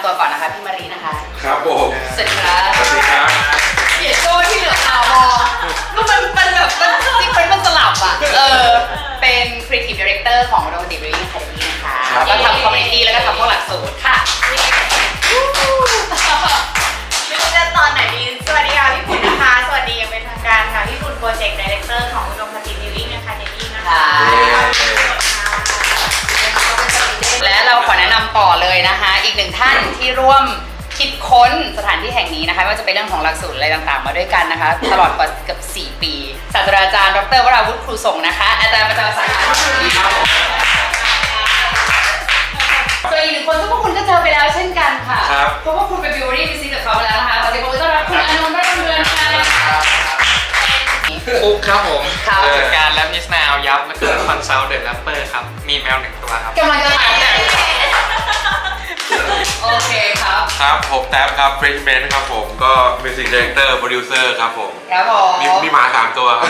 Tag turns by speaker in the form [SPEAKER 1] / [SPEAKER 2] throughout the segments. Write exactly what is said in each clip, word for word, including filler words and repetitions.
[SPEAKER 1] ำตัวก่อนนะคะพี่มารีนะคะ
[SPEAKER 2] ครับผม
[SPEAKER 1] สวัสดีครับ
[SPEAKER 2] สวัสดีครับ
[SPEAKER 1] เสียโจ้ที่เหลือตามองก็มันเป็นแบบมันจริงๆมันสลับอ่ะเออเป็น Creative Director ของ Romantic Brewing Academy นะคะก็ทำ Community แล้วก็ทำพวกหลักสูตรค่ะไม่รู้จะตอนไหนดีสวัสดีค่ะพี่ปุ่นนะคะสวัสดีอย่างเป็นทางการค่ะพี่ปุ่น Project Director ของ Romantic Brewing Academy นะคะและเราขอแนะนำต่อเลยนะคะอีกหนึ่งท่านที่ร่วมคิดค้นสถานที่แห่งนี้นะคะไม่ว่าจะเป็นเรื่องของหลักสูตรอะไรต่างๆมาด้วยกันนะคะตลอดกว่าเกือบสี่ปีศาสตราจารย์ดรวราวุฒิครูส่งนะคะอาจารย์ประจำสาขาส่วนอีกหนึ่งคนทุกคนก็เจอไปแล้วเช่นกันค่ะเพราะว่าคุณไปบิวรี่วิซิตกับเขาแล้วนะคะขอเสียงปรบมือต้อนรับคุณอานนท์ได้เรือนค่ะ
[SPEAKER 3] ปุ๊กครับผม
[SPEAKER 1] ครับ
[SPEAKER 3] ผู้จัดการแรปนิสนาวยับและคือคอนซัลท์เดอะแรปเปอร์ครับมีแมวหนึ่งตัวครับ
[SPEAKER 1] กำลังจะถามกันโอเคครับ
[SPEAKER 2] ครับผมแท็บครับเฟรชแมนครับผมก็มิวสิกดีเรคเตอร์โปรดิวเซอร์ครับผม
[SPEAKER 1] ครับผม
[SPEAKER 2] มีมีหมาสามตัวครับ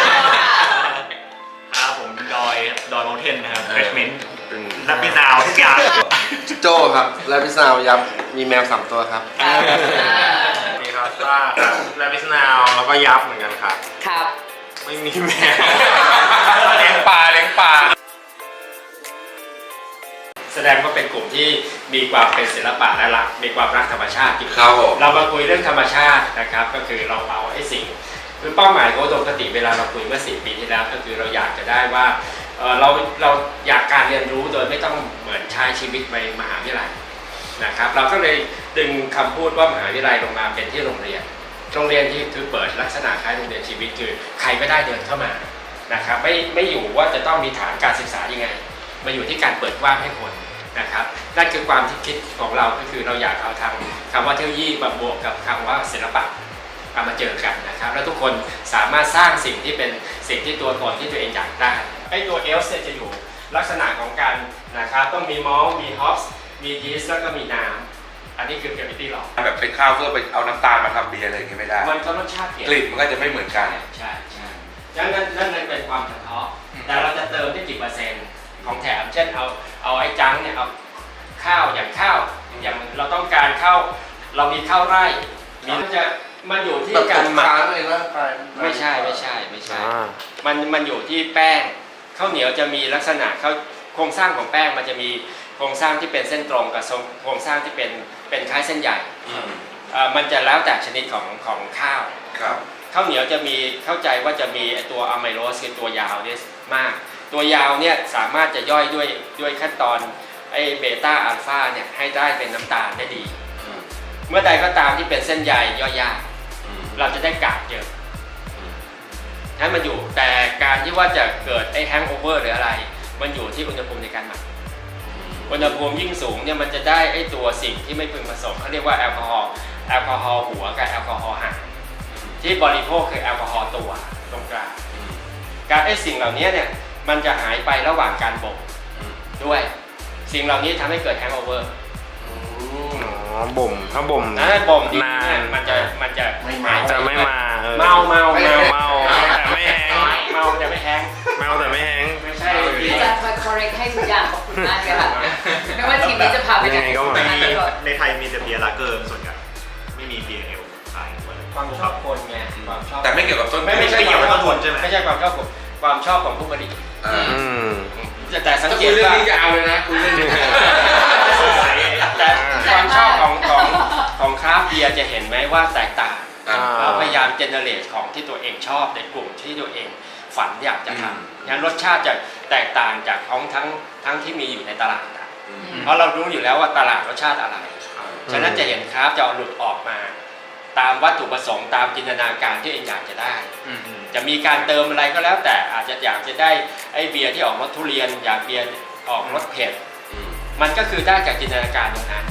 [SPEAKER 4] ครับผมดอยดอยมอลเทนนะครับเฟรชเมนต์นับพิซาวทุกอย่าง
[SPEAKER 5] โจครับและพิซาวยับมีแมวสามตัวครับ
[SPEAKER 4] นี่ครับว่าและพิซนาวแล้วก็ยับเหมือนกันครับ
[SPEAKER 1] ครับ
[SPEAKER 4] ไม่มีแมว
[SPEAKER 3] เลี้ยงปลาเลี้ยงปลาแสดงว่าเป็นกลุ่มที่มีความเป็นศิลปะและรักมีความรักธรรมชาติ
[SPEAKER 2] ครับผม
[SPEAKER 3] เรามาคุยเรื่องธรรมชาตินะครับก็คือเราเอาไอ้สิ่งคือเป้าหมายของอุดมคติเวลาเราคุยเมื่อสี่ปีที่แล้วก็คือเราอยากจะได้ว่าเราเราอยากการเรียนรู้โดยไม่ต้องเหมือนใช้ชีวิตในมหาวิทยาลัยนะครับเราก็เลยดึงคำพูดว่ามหาวิทยาลัยลงมาเป็นที่โรงเรียนโรงเรียนที่คือเปิดลักษณะคล้ายโรงเรียนชีวิตคือใครก็ได้เดินเข้ามานะครับไม่ไม่อยู่ว่าจะต้องมีฐานการศึกษายังไงมาอยู่ที่การเปิดกว้างให้คนนะครับนั่นคือความที่คิดของเราก็คือเราอยากเอาทางคำว่าเทคโนโลยีมาบวกกับคำว่าศิลปะเอามาเจอกันนะครับแล้วทุกคนสามารถสร้างสิ่งที่เป็นสิ่งที่ตัวตนที่ตัวเองอยากได้ไอ้ตัวเอลส์จะอยู่ลักษณะของการนะครับต้องมีมอลต์มีฮอปส์มียีสต์แล้วก็มีน้ำอันนี้คือเกรวิตี้หรอก
[SPEAKER 2] แบบเป็นข้าวเพื่อไปเอาน้ำตาลมาทำเบียร์อะไรอย่างเงี้ยไม่ได้
[SPEAKER 3] มันก็รสชาติเปลี่ยน
[SPEAKER 2] กลิ่นมันก็จะไม่เหมือนกัน
[SPEAKER 3] ใช่ใช่ดังนั้นนั่นเลยเป็นความเฉพาะแต่เราจะเติมได้กี่เปอร์เซ็นต์ของแถมเช่นเอาเอาไอ้จังเนี่ยเอาข้าวอย่างข้าวอย่างเราต้องการข้าวเรามีข้าวไร่มีมันจะมันอยู่ที่การหมักไม่ใช่ไม่ใช่ไม่ใช่มันมันอยู่ที่แป้งข้าวเหนียวจะมีลักษณะเขาโครงสร้างของแป้งมันจะมีโครงสร้างที่เป็นเส้นตรงกับโครงสร้างที่เป็นเป็นคล้ายเส้นใหญ่มันจะแล้วแต่ชนิดของของข้าวข้าวเหนียวจะมีเข้าใจว่าจะมีตัวอะไมโลสคือตัวยาวเนี่ยมากตัวยาวเนี่ยสามารถจะย่อยด้วยด้วยขั้นตอนไอเบต้าอัลฟาเนี่ยให้ได้เป็นน้ำตาลได้ดีเมื่อใดก็ตามที่เป็นเส้นใยย่อยยากเราจะได้กากเยอะนั้นมันอยู่แต่การที่ว่าจะเกิดไอแฮงโอเวอร์หรืออะไรมันอยู่ที่อุณหภูมิในการหมักอุณหภูมิยิ่งสูงเนี่ยมันจะได้ไอตัวสิ่งที่ไม่พึงผสมเขาเรียกว่าแอลกอฮอล์แอลกอฮอล์หัวกับแอลกอฮอล์หางที่บริโภคคือแอลกอฮอล์ตัวตรงกลางการไอสิ่งเหล่านี้เนี่ยมันจะหายไประหว่างการบ่มด้วยสิ่งเหล่านี้ทำให้เกิดแฮงโอเวอร์
[SPEAKER 5] บ่มถ้าบ่ม
[SPEAKER 3] นานบ่มนานมันจะมันจะ
[SPEAKER 5] ไม่มาจะไม่มา
[SPEAKER 3] เมาเมาเมา
[SPEAKER 5] เมาแต่ไม่แห้ง
[SPEAKER 3] เมาแต่ไม่แห้ง
[SPEAKER 5] เมาแต่ไม่แห้ง
[SPEAKER 3] ไม่ใช่
[SPEAKER 1] จะมา correct ให้ทุกอย่างขอบคุณมากเลยค่ะไม่ว่าทีมนี้จะพาไปไหนก็มา
[SPEAKER 4] ในไทยมีแต่เบียร์ลาเกอร์ส่วนใหญ่ไม่มีเบียร์เอลขาย
[SPEAKER 3] ความชอบคนไงความชอบ
[SPEAKER 2] แต่ไม่เกี่ยวกับต้น
[SPEAKER 3] ไม่ไม่ใช่เกี่ยวกับต้นทุนใช่ไหมไม่ใช่ความชอบผมความชอบของผู้ผลิตแต่สังเกตว่า
[SPEAKER 2] ยาวเลยนะคุณเล่น
[SPEAKER 3] แต่ความชอบของของของคราฟต์เบียร์จะเห็นไหมว่าแตกต่างเราพยายามเจเนเรตของที่ตัวเองชอบในกลุ่มที่ตัวเองฝันอยากจะทำงั้นรสชาติจะแตกต่างจากของทั้งทั้งที่มีอยู่ในตลาดเพราะเรารู้อยู่แล้วว่าตลาดรสชาติอะไรฉะนั้นจะเห็นคราฟต์จะเอาหลุดออกมาตามวัตถุประสงค์ตามจินตนาการที่เองอยากจะได้จะมีการเติมอะไรก็แล้วแต่อาจจะอยากจะได้ไอ้เบียร์ที่ออกรสทุเรียนอยากเบียร์ออกรสเผ็ดมันก็คือได้จากจินตนาการตรงนั้น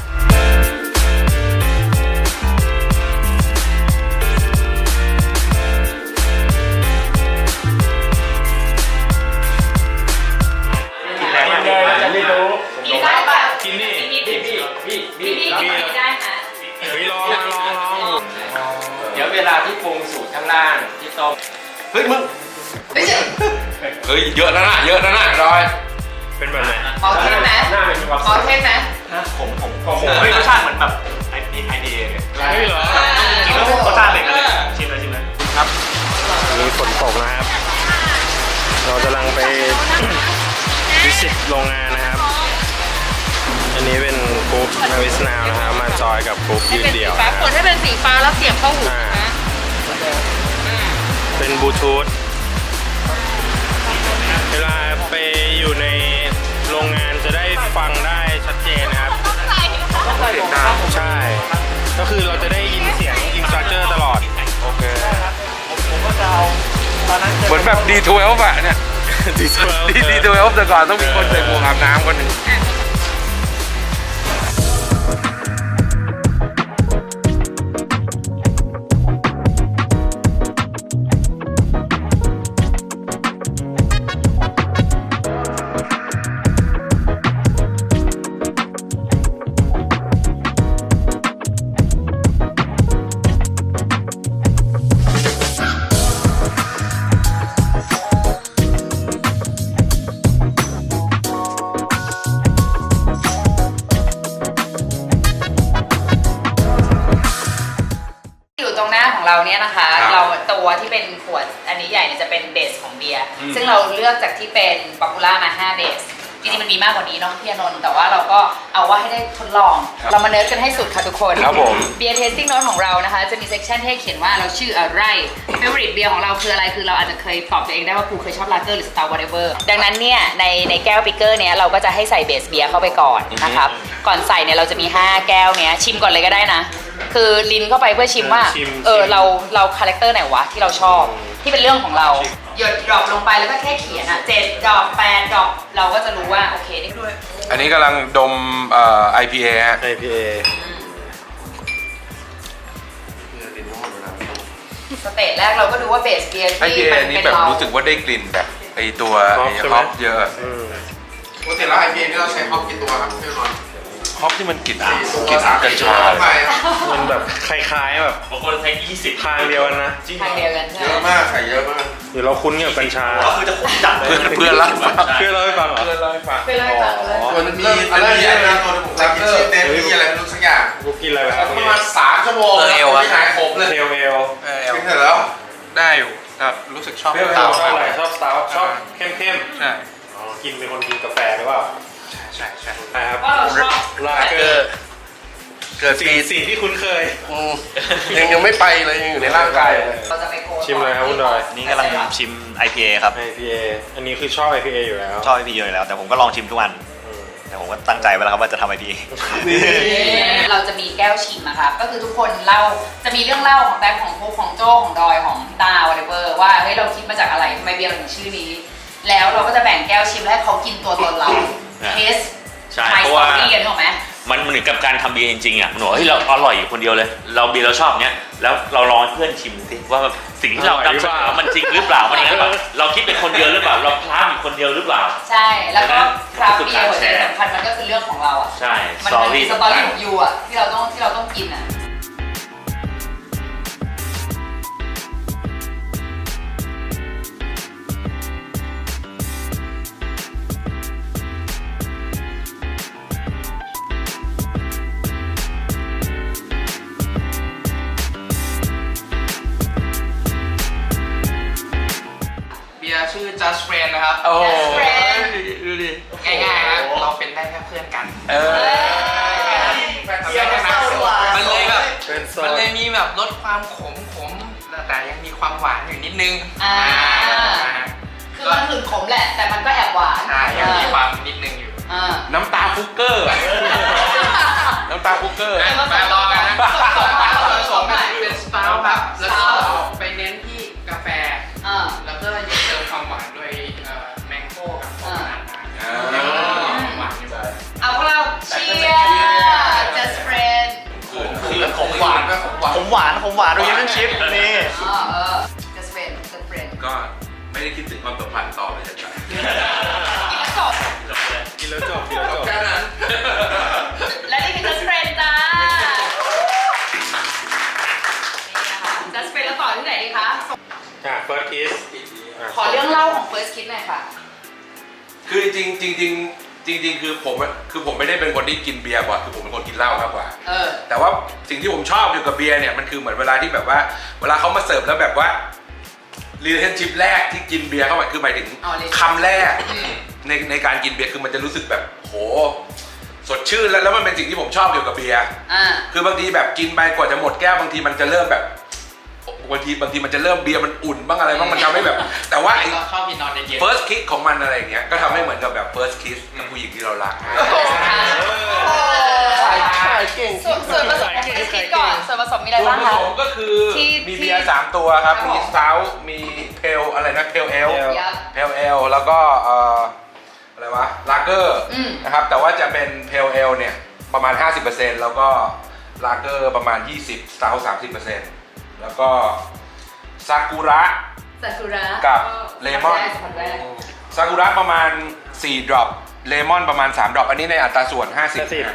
[SPEAKER 3] จะไม่รู้
[SPEAKER 1] กินได้ป่ะ
[SPEAKER 5] กินนี่
[SPEAKER 3] พี่พี่พี่พี่
[SPEAKER 1] พี่ได้ค่ะ
[SPEAKER 5] พี่ลองลองลอง
[SPEAKER 3] เดี๋ยวเวลาที่ปรุงสูตรข้างล่างที่ต้ม
[SPEAKER 2] เฮ้ยมึงเฮ้ยเยอะนะน่ะเยอะนะน่ะรอย
[SPEAKER 5] เป็นแบบไหน
[SPEAKER 1] ขอเทสไหมขอเทสไหม
[SPEAKER 4] ผมผมผมเฮ้ยรสชาติเหมือนแบบไอไอเดียเลยเฮ้ยเหรอกินแล้วรสชาติเป็นกันเลยชิมเลยชิมเลยครับมีฝนตกนะครับ เรากำลังไปวิสิตโรงงานนะครับ อันนี้เป็นกรุ๊ปนาวิสนาวนะครับมาจอยกับกรุ๊ปยืนเดี่ยวนะ
[SPEAKER 1] เปิดให้เป็นสีฟ้าแล้วเสียบเข้าหู
[SPEAKER 4] อ่า
[SPEAKER 1] นะ
[SPEAKER 4] เป็นบลูทูธเวลาไปอยู่ในโรงงานจะได้ฟังได้ชัดเจนนะครับใช่ ก็คือเราจะได้ยินเสียงอินสตรัคเตอร์ตลอด
[SPEAKER 2] โอเคเหมือนแบบ ดี ทเวลฟ์ อะเนี่ย
[SPEAKER 4] ดีเทล
[SPEAKER 2] ดี ดี ทเวลฟ์ แต่ก่อนต้องมีคนใส่หมวกอาบน้ำคนหนึ่ง
[SPEAKER 1] อยู่ตรงหน้าของเราเนี่ยนะคะ
[SPEAKER 2] ครับ
[SPEAKER 1] เราตัวที่เป็นขวดอันนี้ใหญ่เนี่ยจะเป็นเบสของเบียร์
[SPEAKER 2] อืม
[SPEAKER 1] ซึ่งเราเลือกจากที่เป็นป๊อปปูล่ามาห้าเบสจริงๆมันมีมากกว่านี้เน้องพี่อนนท์แต่ว่าเราก็เอาว่าให้ได้ทดลอง เรามาเนิร์ดกันให้สุดค่ะทุกคน
[SPEAKER 2] ครับผม
[SPEAKER 1] เบียร์เทสติ้งโน้ตของเรานะคะ จะมีเซกชันให้เขียนว่าเราชื่ออะไรเฟเวอริตเบียร์ของเราคืออะไรคือเราอาจจะเคยตอบตัวเองได้ว่ากูเคยชอบลาเกอร์หรือสตาร์วอเตเวอร์ดังนั้นเนี่ยในในแก้วปิกเกอร์เนี้ยเราก็จะให้ใส่เบสเบียร์เข้าไปก่อนนะครับก่อนใส่เนี่ยเราจะมีห้าแก้วเนี้ยชิมก่อนเลยก็ได้นะ คือลิ้นเข้าไปเพื่อชิมว่า
[SPEAKER 4] ชิม
[SPEAKER 1] เออ
[SPEAKER 4] ชิม
[SPEAKER 1] เราเราคาแรคเตอร์ไหนวะที่เราชอบที่เป็นเรื่องของเราหยดดรอปลงไปแล้วก็แค่เขียนอ่ะเจ็ดดรอปแปดดรอปเราก็จะรู้ว่าโอเคนี่ด้วย
[SPEAKER 2] อันนี้กำลังดมเอ่อ ไอ พี เอ ฮะ
[SPEAKER 4] ไอ พี เอ
[SPEAKER 1] สเตจแรกเราก็ดูว่าเบสเบียร์
[SPEAKER 2] ไอ พี
[SPEAKER 1] ที่
[SPEAKER 2] เอ
[SPEAKER 1] มัน
[SPEAKER 2] นี่
[SPEAKER 1] เป็น
[SPEAKER 2] แบบ
[SPEAKER 1] เรา
[SPEAKER 2] รู้สึกว่าได้กลิ่นแบบไอตัว
[SPEAKER 4] ฮอป
[SPEAKER 2] ไอ
[SPEAKER 4] ใช่ไหม
[SPEAKER 2] ฮอปเยอะ
[SPEAKER 4] อืม
[SPEAKER 5] ปกติแล้วไอพีเอ็นี่เราใช้ฮอปกี่ตัวครับพี่นนท์
[SPEAKER 2] ฮอปที่มันกลิ่น
[SPEAKER 5] สี่ตัว
[SPEAKER 2] กลิ่น
[SPEAKER 5] สาม
[SPEAKER 2] กัญ
[SPEAKER 5] สี่ตัว
[SPEAKER 2] ชา
[SPEAKER 5] เข้าไป
[SPEAKER 4] มันแบบคล้ายๆแบบ
[SPEAKER 6] บางคนใช้ยี่สิบ
[SPEAKER 4] ทางเดียวกันนะ
[SPEAKER 1] ทางเดียวกันใช่
[SPEAKER 5] เย
[SPEAKER 1] ไหม
[SPEAKER 5] อะมากใส่เยอะมาก
[SPEAKER 4] หรือเราคุ้นกับกัญชา
[SPEAKER 6] ก็คือจะขมจัดเลย
[SPEAKER 2] เพื่อนเพื่อนเล่าให้ฟัง
[SPEAKER 4] เพื่อนเราให้ฟังเหรอ
[SPEAKER 2] เพื่อนเล่าให้ฟัง
[SPEAKER 1] เป็นไรกันเลย
[SPEAKER 5] ตัวมันมีอะไรเยอะนะตัวผมจำชื่อเต็มที่อะไรไม่รู้สักอย่าง
[SPEAKER 4] กูกินอะไรไปครับ
[SPEAKER 5] ประมาณสามชั่วโมงไม่หายขมเลย
[SPEAKER 4] เทลเอล
[SPEAKER 5] กินเสร็จแล้ว
[SPEAKER 2] ได้อยู่แต่รู้สึกชอบ
[SPEAKER 4] เทลเอ
[SPEAKER 2] เตา
[SPEAKER 4] ลชอบอะไรชอบสตาร์ชอบเข้มเข้ม
[SPEAKER 2] ใช่
[SPEAKER 4] ๆอ๋อกินเป็นคนกินกาแฟหรือเปล่า
[SPEAKER 2] ใช่ใช่
[SPEAKER 4] ใช่ครับ
[SPEAKER 1] ว่าเราชอบ
[SPEAKER 4] ลาเกอร์
[SPEAKER 5] เกิด
[SPEAKER 4] สิ่
[SPEAKER 5] ปี
[SPEAKER 4] งสิ่งที่คุ้นเคย
[SPEAKER 5] อืมยังยังไม่ไปเลยยังอยู่ในร่างกายเลย
[SPEAKER 1] เราจะไปโค้ด
[SPEAKER 4] ชิมเลยครับคุณดอย
[SPEAKER 6] นี่กำลังชิม ไอ พี เอ ครับ
[SPEAKER 4] ไอ พี เอ อันนี้คือชอบ ไอ พี เอ อยู่แล้ว
[SPEAKER 6] ชอบ ไอ พี เอ อยู่แล้ว แต่ผมก็ลองชิมทุกวัน
[SPEAKER 4] อืม
[SPEAKER 6] แต่ผมก็ตั้งใจไว้แล้วครับว่าจะทำ ไอ พี เอ
[SPEAKER 1] เราจะมีแก้วชิมนะครับก็คือทุกคนเล่าจะมีเรื่องเล่าของแป๊บของพวกของโจ้ของดอยของตา whatever ว่าเฮ้ยเราคิดมาจากอะไรทำไมเบียร์เราถึงชื่อนี้ แล้วเราก็จะแบ่งแก้วชิมและให้เขากินตัวตนเราเทส
[SPEAKER 6] ใช่
[SPEAKER 1] ไม
[SPEAKER 6] เพ
[SPEAKER 1] ส
[SPEAKER 6] ราะ
[SPEAKER 1] ตอ
[SPEAKER 6] ว่า
[SPEAKER 1] รี่กันถูกไหม
[SPEAKER 6] มันเหมือนกับการทำเบียร์จริงๆอ่ะมันบอกว่าเฮ้ยเราอร่อยอยู่คนเดียวเลย เราเบียร์เราชอบเนี้ย แล้วเราลองให้เพื่อนชิมสิว่าแบบสิ่งที่เรา
[SPEAKER 4] อร่อยหรือ
[SPEAKER 6] นำเส
[SPEAKER 4] เป
[SPEAKER 6] น
[SPEAKER 4] ล่า
[SPEAKER 6] อมันจริงหรือเปล่า มันอย่างนั้นแบบเราคิดเป็นคนเดียวหรือเปล่า เราพลาดอยู่คนเดียวหรือเปล่า
[SPEAKER 1] ใช่ แล้วก็คราฟต์
[SPEAKER 6] คือ
[SPEAKER 1] เบีย
[SPEAKER 6] การ
[SPEAKER 1] ร์หัวใจ
[SPEAKER 6] แชร์
[SPEAKER 1] สำคัญมันก็คือเรื่องของเราอ่ะ
[SPEAKER 6] ใช่
[SPEAKER 1] มัน
[SPEAKER 6] สตอ
[SPEAKER 1] มันมี
[SPEAKER 6] รี่
[SPEAKER 1] สตอรี่ของยูอ่ะที่เราต้องที่เราต้องกินอ่ะ
[SPEAKER 7] เบียร์ชื่อ Just Friend นะครับ
[SPEAKER 2] โอ้
[SPEAKER 1] Just friend
[SPEAKER 2] ดูดิ
[SPEAKER 7] ง่ายๆครับเราเป็นได้แค่เพื่อนกัน
[SPEAKER 2] เออ
[SPEAKER 7] เบียร์นะมันเลยแบบ
[SPEAKER 4] เป็นโซ
[SPEAKER 7] มัน
[SPEAKER 4] น
[SPEAKER 7] เลยมีแบบลดความขมขมแต่ยังมีความหวานอยู่นิดนึง
[SPEAKER 1] อ่า คือมันถึงขมแหละ แต่มันก็แอบหวาน
[SPEAKER 7] ใช่ยังมีความนิดนึงอยู่
[SPEAKER 1] อ่า
[SPEAKER 2] น้ำตาฟุกเกอร์ น้ำตาฟุกเกอร์
[SPEAKER 7] มามาลองกันนะ
[SPEAKER 1] ผสมผสม
[SPEAKER 7] เป็นสตาร์ครับแล้วก็ไปเน้นที่กาแฟ
[SPEAKER 1] อ่า
[SPEAKER 7] แล้วก็ยังเติมความหวานด้วยแมงโก้กับโคโคนัทนะ
[SPEAKER 2] อ่า
[SPEAKER 7] ยังมีความหวานอยู่
[SPEAKER 1] เอาพวกเราเชียร์ just friend
[SPEAKER 6] คือผมหวาน ผมหวาน ผมหวานดูยังชิปนี่
[SPEAKER 1] อ๋อเออ just friend just friend
[SPEAKER 2] ก็ไม่ได้คิดถึงความสัมพันธ์ต่อเลยจ้ะ
[SPEAKER 1] กินแล้วจบ
[SPEAKER 4] กินแล้วจบกินแล้วจบ
[SPEAKER 5] แค่นั้น
[SPEAKER 1] และนี่คือ just friend จ้า นี่นะคะ just friend แล้วต่อที่ไหนดีคะ
[SPEAKER 4] อ่ะ first kiss ะ
[SPEAKER 1] ขอเรื่องเล่าของ first kiss หน่อยค่ะ
[SPEAKER 2] คือจริงจริงจริงจริงๆคือผมคือผมไม่ได้เป็นคนที่กินเบียร์บ่อยคือผมเป็นคนกินเหล้ามากกว่า
[SPEAKER 1] เออ
[SPEAKER 2] แต่ว่าสิ่งที่ผมชอบอยู่กับเบียร์เนี่ยมันคือเหมือนเวลาที่แบบว่าเวลาเขามาเสิร์ฟแล้วแบบว่า relationship แรกที่กินเบียร์เข้าไปคือหมายถึง
[SPEAKER 1] อ๋อ relationship
[SPEAKER 2] คำแรกในในการกินเบียร์คือมันจะรู้สึกแบบโหสดชื่นแล้วแล้วมันเป็นสิ่งที่ผมชอบเกี่ยวกับเบียร์
[SPEAKER 1] อ่า
[SPEAKER 2] คือบางทีแบบกินไปกว่าจะหมดแก้วบางทีมันจะเริ่มแบบบางทีบางทีมันจะเริ่มเบียร์มันอุ่นบ้างอะไรบ้างมันทำให้แบบ แต่ว่าไอ้
[SPEAKER 7] เราชอบกินนอนเย็น
[SPEAKER 2] first kiss ของมันอะไรอย่างเงี้ยก็ทำให้เหมือนกับแบบ first kiss กับผู้หญิงที่เรารัก
[SPEAKER 5] ขายเก่ง
[SPEAKER 1] ส่วนส่วนผสมของคิดก่อนส่วนผสมมีอะไร
[SPEAKER 2] ส่วน
[SPEAKER 1] บ้าง
[SPEAKER 2] ผ
[SPEAKER 1] คะ
[SPEAKER 2] สมก็คือ
[SPEAKER 1] ที่
[SPEAKER 2] มีเบียร์สามตัวครับ
[SPEAKER 1] ครับผม
[SPEAKER 2] มีส o ามีเพลอะไรนะเพลเอล
[SPEAKER 1] ยับ
[SPEAKER 2] เพลเอลแล้วก็เอ่ออะไรวะลาเกอร์
[SPEAKER 1] อืม
[SPEAKER 2] นะครับแต่ว่าจะเป็นเพลเอลเนี่ยประมาณ ห้าสิบเปอร์เซ็นต์ แล้วก็ลาเกอร์ประมาณ ยี่สิบ ส o า สามสิบเปอร์เซ็นต์ แล้วก็ซากุระ
[SPEAKER 1] ซากุระ
[SPEAKER 2] กับเลมอน
[SPEAKER 1] สัมผัสแรก
[SPEAKER 2] ซากุระประมาณสี่ดรอปเลมอนประมาณสามดรอปอันนี้ในอัตราส่วน ห้าสิบ
[SPEAKER 1] เอ๊ะ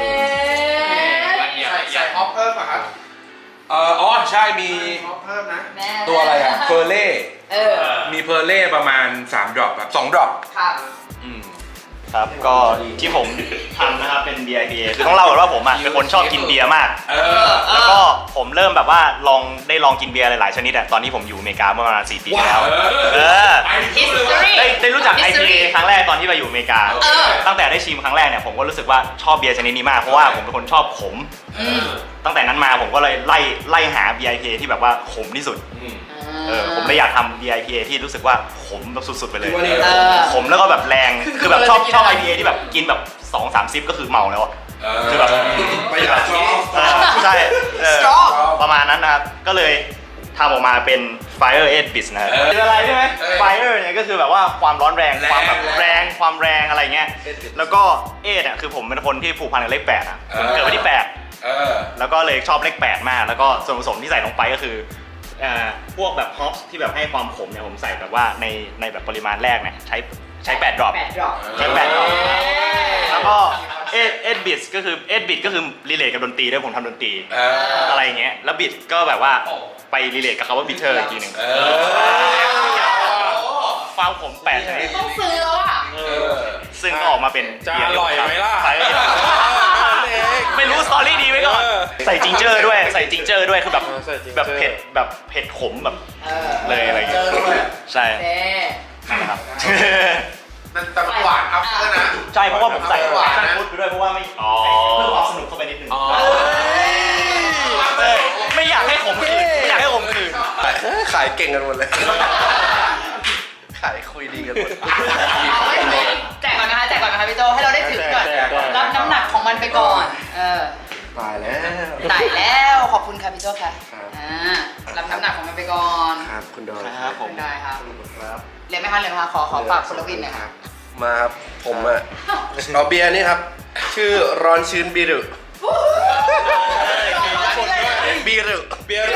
[SPEAKER 7] ใส่ใส่ฮอปเพิ่มป่ะครับ
[SPEAKER 2] เอ่ออ๋อใช่มี
[SPEAKER 7] ฮอปเพิ่มนะ
[SPEAKER 1] แม่
[SPEAKER 2] ตัวอะไรอะเพอร์เล่
[SPEAKER 1] เออ
[SPEAKER 2] มีเพอร์เล่ประมาณสามดรอปครับสองดรอป
[SPEAKER 1] ครับ
[SPEAKER 2] อืม
[SPEAKER 4] ครับก็ที่ผมทำนะครับเป็นเบียร์ ไอ พี เอ คือต้องเล่าก่อนว่าผมอ่ะเป็นคนชอบกินเบียร์มาก
[SPEAKER 2] เออ
[SPEAKER 4] แล้วก็ผมเริ่มแบบว่าลองได้ลองกินเบียร์หลายๆชนิดอะตอนที่ผมอยู่อเมริกาเมื่อประมาณสี่ปีที่แล้ว
[SPEAKER 2] ว้าว
[SPEAKER 4] เออ
[SPEAKER 1] History
[SPEAKER 4] ได้ได้รู้จัก ไอ พี เอ
[SPEAKER 1] History
[SPEAKER 4] ครั้งแรกตอนที่ไปอยู่อเมริกา
[SPEAKER 1] เออ
[SPEAKER 4] ตั้งแต่ได้ชิมครั้งแรกเนี่ยผมก็รู้สึกว่าชอบเบียร์ชนิดนี้มากเพราะว่าผมเป็นคนชอบขม
[SPEAKER 1] อืม
[SPEAKER 4] ตั้งแต่นั้นมาผมก็เลยไล่ไล่หาเบียร์ ไอ พี เอ ที่แบบว่าขมที่สุด
[SPEAKER 2] อืม
[SPEAKER 4] เออผมเลยอยากทำ เบียร์ ไอ พี เอ ที่รู้สึกว่าขมแบบสุดๆไปเลย
[SPEAKER 1] เออ
[SPEAKER 4] ขมแล้วก็แบบแรง คือแบบชอบชอบ ไอ พี เอ ที่แบบกินแบบสองสามซิปก็คือเมาแล้วอะ คือแบบ
[SPEAKER 2] ประหยัดชอบ
[SPEAKER 4] เออใช่เออ
[SPEAKER 1] Strong
[SPEAKER 4] ประมาณนั้นนะครับ ก็เลยทำออกมาเป็น Fire เอ็ด Bits นะครับคืออะไรใช่ไหม Fire เนี่ยก็คือแบบว่าความร้อนแรง ความแบบแรง ความแรงอะไรเงี้ย แล้วก็เอ็ดอ่ะคือผมเป็นคนที่ผูกพันกับเลขแปดอ่ะผมเกิดวันที่แปด
[SPEAKER 2] เออ
[SPEAKER 4] แล้วก็เลยชอบเลขแปดมาก แล้วก็ส่วนผสมที่ใส่ลงไปก็คือเอ่อพวกแบบฮอปที่แบบให้ความขมเนี่ยผมใส่แบบว่าในในแบบปริมาณแรกเนี่ยใช้ใช้แปดดรอป
[SPEAKER 1] แปดดรอป
[SPEAKER 4] ใช้แปดดรอปแล้วก็เอ็ดเอ็ดบิทก็คือเอ็ดบิทก็คือรีเลทกับดนตรีด้วยผมทำดนตรี
[SPEAKER 2] เออ
[SPEAKER 4] อะไรอย่างเงี้ยแล้วบิทก็แบบว่าไปรีเลทกับคำว่าบิทเทอร์อีกทีหนึ่ง
[SPEAKER 2] เออ
[SPEAKER 4] ความขมแปดชนิด
[SPEAKER 1] ต้องซื้อแล้วอ่ะ
[SPEAKER 2] เออ
[SPEAKER 4] ซึ่งก็ออกมาเป็น
[SPEAKER 2] จะอร่อยไหมล่ะ
[SPEAKER 4] ใช่ไม่รู้สตอรี่ดีไว้ก่อน
[SPEAKER 2] เออ
[SPEAKER 4] ใส่จิงเจอร์ด้วยใส่จิงเจอร์ด้วยคือแบบ
[SPEAKER 5] เออใส่จิงเจอร์
[SPEAKER 4] แบบเผ็ดแบบเผ็ดขมแบบ
[SPEAKER 1] เออ
[SPEAKER 4] เลยอะไรอย่างเงี้ยใช่
[SPEAKER 1] เอ๊ะ
[SPEAKER 4] นะครับ
[SPEAKER 7] มันแต่หวานอัพเตอร์นะ
[SPEAKER 4] ใช่เพราะว่าผมใส่
[SPEAKER 7] หวาน
[SPEAKER 4] แฟ
[SPEAKER 7] นะ
[SPEAKER 4] ชั่นฟู้ดไปด้วยเพราะว่าไม่
[SPEAKER 6] อ๋อ
[SPEAKER 4] เพิ่มความสนุกเข้าไปนิดนึง
[SPEAKER 2] อ๋อ
[SPEAKER 4] เออไม่อยากให้ขมขืนไม่อยากให้ขมขืน
[SPEAKER 5] ขายเก่งกันหมดเลย ขายคุยดีกันหมด
[SPEAKER 1] เอาไว้ให้แจกก่อนนะคะแจกก่อนนะคะพี่โจให้เราได้ถือก่อน
[SPEAKER 5] แจกก่อน
[SPEAKER 1] รับน้ำหนักของมันไปก่อน เออ
[SPEAKER 5] ตายแล้ว
[SPEAKER 1] ตายแล้วขอบคุณค่ะพี่โจค่ะ
[SPEAKER 5] ครับ
[SPEAKER 1] อ่ารับน้ำหนักของมันไปก่อน
[SPEAKER 5] ครับคุณดอย
[SPEAKER 4] ครับผม
[SPEAKER 1] ได้ครับ
[SPEAKER 5] ครับ
[SPEAKER 1] เรียนไหมคะเรียนไหมคะขอขอฝากคุณลวินหน่อยค่ะ
[SPEAKER 5] มาครับผมอ่ะเอาเบียร์นี่ครับ ชื่อร้อนชื้นบีรุบีรุ
[SPEAKER 2] เบียร์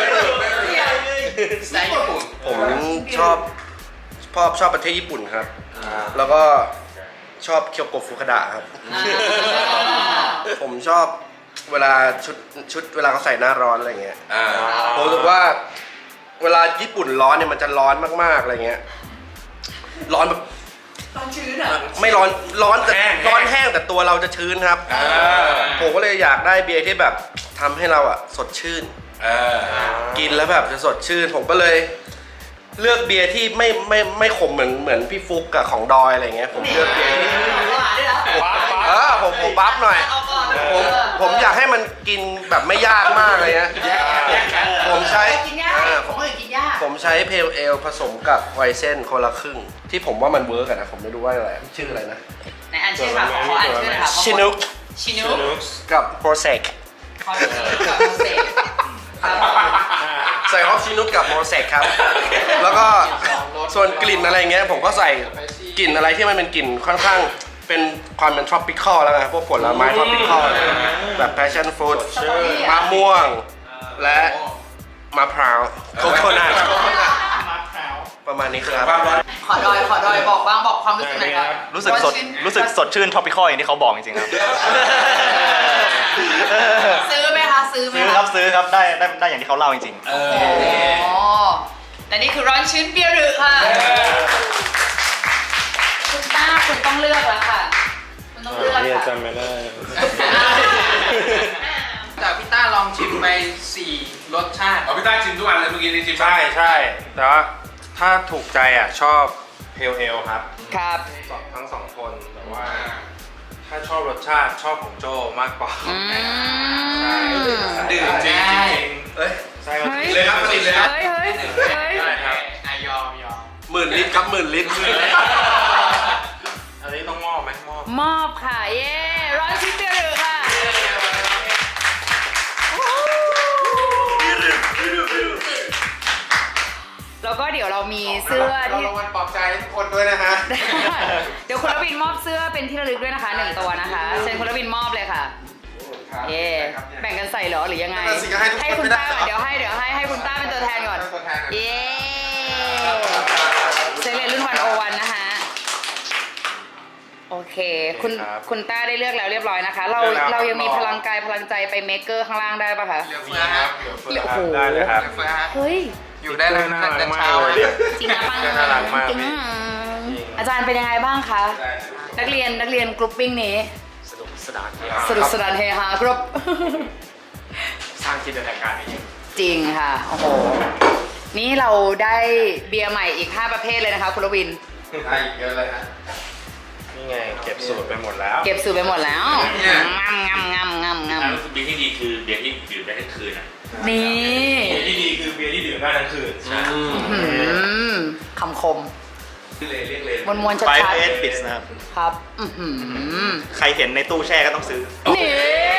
[SPEAKER 7] สไตล์ญี่ปุ่น
[SPEAKER 5] ผมชอบชอบชอบประเทศญี่ปุ่นครับ แล้วก็ชอบเคียวโกะฟุคาดะครับ ผมชอบเวลาชุดชุดเวลาเขาใส่หน้าร้อนอะไรเงี้ย
[SPEAKER 2] อ่า
[SPEAKER 5] ผมรู้สึกว่าเวลาญี่ปุ่นร้อนเนี่ยมันจะร้อนมากๆอะไรเงี้ย ร้อนแบบ
[SPEAKER 1] ต้องชื้นอ่ะ
[SPEAKER 5] ไม่ร้อนร้อนแต่
[SPEAKER 2] แห้ง
[SPEAKER 5] ร้อนแห้งแต่ตัวเราจะชื้นครับ
[SPEAKER 2] อ่า
[SPEAKER 5] ผมก็เลยอยากได้เบียร์ที่แบบทำให้เราอะสดชื่น
[SPEAKER 2] เออ
[SPEAKER 5] กินแล้วแบบจะสดชื่น ผมก็เลยเลือกเบียร์ที่ไม่ไม่ไม่ขมเหมือนเหมือนพี่ฟุกกับของดอยอะไรเงี้ยผมเลือกเบียร์ที่
[SPEAKER 1] หวานด้วยนะ
[SPEAKER 5] เออผมผมบัฟหน่อย
[SPEAKER 1] เอาก่อน
[SPEAKER 5] ผมผมอยากให้มันกินแบบไม่ยากมากเลยนะผมใช้
[SPEAKER 1] กินยาก
[SPEAKER 5] เออ
[SPEAKER 1] ของคนอื่นกินยาก
[SPEAKER 5] ผมใช้เพลเอลผสมกับไวเซนคนละครึ่ง ที่ผมว่ามันเวิร์กอะนะผมไม่รู้ว่าอะไรชื่ออะไรนะ
[SPEAKER 1] ในอันชื่อค่ะขอขออ่านชื่อหน่อยค่ะ
[SPEAKER 5] ชินุก
[SPEAKER 1] ชินุก
[SPEAKER 5] กับโปรเซก
[SPEAKER 1] ขอชินุกกับโมเสกครับ
[SPEAKER 5] ใส่ฮอปชินุกกับโมเสกครับ แล้วก็ส่วนกลิ่นอะไรเงี้ยผมก็ใส่กลิ่นอะไรที่มันเป็นกลิ่นค่อนข้างเป็นความเป็น tropical แล้วกันพวกผลไม้ tropical แบบ passion fruit มะม่วง และมะพร้าวโคโคนัทประมาณนี้ครับ
[SPEAKER 1] ขอดอยขอดอยบอกบ้างบอกความรู้สึกหน่อยครับ
[SPEAKER 4] รู้สึกสดรู้สึกสดชื่นท็อปิคอลอย่างที่เขาบอกจริงๆครับ
[SPEAKER 1] ซื้อไหมคะซื้อไหม
[SPEAKER 4] ซื้อ
[SPEAKER 1] คะ
[SPEAKER 4] ครับซื้อครับได้ได้ได้อย่างที่เขาเล่าจริง
[SPEAKER 2] เออ
[SPEAKER 1] อ๋อและนี่คือร้อนชื้นเบียร์หรือค่ะ คุณต้าคุณต้องเลือกแล้วค่ะต้องเลือก
[SPEAKER 4] นี่
[SPEAKER 1] ค่ะ
[SPEAKER 4] จำไม่ได้
[SPEAKER 7] แต่พี่ต้าลองชิมไปสี่รสชาติ
[SPEAKER 2] เอาพี่ต้าชิมทุกอันเลยเมื่อกี้นี่ชิม
[SPEAKER 4] ใช่ใช่แต่ว่าถ้าถูกใจอ่ะชอบเพลเอลครับ
[SPEAKER 1] ครับ
[SPEAKER 4] ทั้งสองคนแต่ว่า ถ้าชอบรสชาติชอบของโจมากกว่า
[SPEAKER 1] อืม
[SPEAKER 4] ใช่
[SPEAKER 2] ดื่มจริง
[SPEAKER 7] ได้
[SPEAKER 2] เอ้ย
[SPEAKER 4] ใช่ครับ
[SPEAKER 1] เฮ้ย
[SPEAKER 2] เลยครับผลิตเลยครับ
[SPEAKER 1] เฮ้ยเฮ้ยเฮ้ย
[SPEAKER 4] ใช่ครับ
[SPEAKER 7] อ่ะยอมยอม
[SPEAKER 5] หมื่นลิตรครับหมื่นลิตร
[SPEAKER 4] อันนี้ต้องมอบไหมมอบ
[SPEAKER 1] มอบค่ะ เย้ร้อนชิปเปรี้ยวหรือค่ะแล้วก็เดี๋ยวเรามีเสื้อ
[SPEAKER 7] เรา
[SPEAKER 1] ที่
[SPEAKER 7] รางวัลปลอบใจให้ทุกคนด้วยนะฮะ
[SPEAKER 1] เดี๋ยวคุณรวินมอบเสื้อเป็นที่ระลึกด้วยนะคะหนึ่งตัวนะคะเชิญคุณรวินมอบเลยค่ะ เย่แบ่งกันใส่เหรอหรือยังไง
[SPEAKER 5] นั่นสิก็ให้ทุกคน
[SPEAKER 1] ให้คุณ
[SPEAKER 5] ไม่ได้
[SPEAKER 1] ต้าก่อนเดี๋ยวให้เดี๋ยวให้ให้คุณต้าเป็นตัวแทนก่อน
[SPEAKER 7] เป็นตัวแทนก่อน
[SPEAKER 1] เย่เซเลนรุ่นวันโอวันนะคะโอเค คุณ
[SPEAKER 4] ครับ
[SPEAKER 1] คุณต้าได้เลือกแล้วเรียบร้อยนะคะ เรา
[SPEAKER 4] เลือกแล้ว
[SPEAKER 1] เรายังมีพลังกายพลังใจไปเมคเกอร์ข้างล่างได้ปะคะ
[SPEAKER 7] เหลือเฟือฮะ
[SPEAKER 1] เหลือโอ้โห
[SPEAKER 4] ได้เลยครับ
[SPEAKER 7] เหลือเฟือฮะ
[SPEAKER 1] เฮ้ย
[SPEAKER 7] อยู่ได้เลย
[SPEAKER 4] น่า
[SPEAKER 7] ตั้ง
[SPEAKER 4] รั
[SPEAKER 7] แต่
[SPEAKER 4] กมาก
[SPEAKER 7] เช้า
[SPEAKER 4] เลย
[SPEAKER 7] ฮะ
[SPEAKER 1] จริงนะปัง
[SPEAKER 4] น่ารักมาก
[SPEAKER 1] จริง
[SPEAKER 4] พี่
[SPEAKER 1] อาจารย์เป็นยังไงบ้างคะ นักเรียนนักเรียนกรุ๊ปปิ้งนี้
[SPEAKER 3] สนุกสนาน
[SPEAKER 1] สนุกสนานเฮฮากรุ๊ป
[SPEAKER 3] สร้างจินตนาการให้เยอะ
[SPEAKER 1] จริงค่ะ โอ้โห นี่เราได้เบียร์ใหม่อีก ห้า ประเภทเลยนะคะคุณรวิน
[SPEAKER 7] ได้อีกเยอะเลยฮะ
[SPEAKER 4] นี่ไงเก็บสูตรไปหมดแล้ว
[SPEAKER 1] เก็บสูตรไปหมดแล้ว
[SPEAKER 7] เนี่ย
[SPEAKER 1] งำงำงำงำง
[SPEAKER 6] อันนั้นคือเบียร์ที่ดีคือเบียร์ที่ดื่มได้ทั้งคืนอ่ะ
[SPEAKER 1] ำนี่
[SPEAKER 4] เบียร์ที่ดีคือเบียร์ที่ดื่มได้ทั้งคืน
[SPEAKER 6] ใช่
[SPEAKER 1] หืมคำคม
[SPEAKER 2] เลยเรียกเลย
[SPEAKER 1] มวลมวลชัด
[SPEAKER 8] ไฟ
[SPEAKER 1] ชัด
[SPEAKER 8] เอสปิดนะครับ
[SPEAKER 1] ครับ อื้อหือ
[SPEAKER 8] ใครเห็นในตู้แช่ก็ต้องซื้อ
[SPEAKER 1] นี่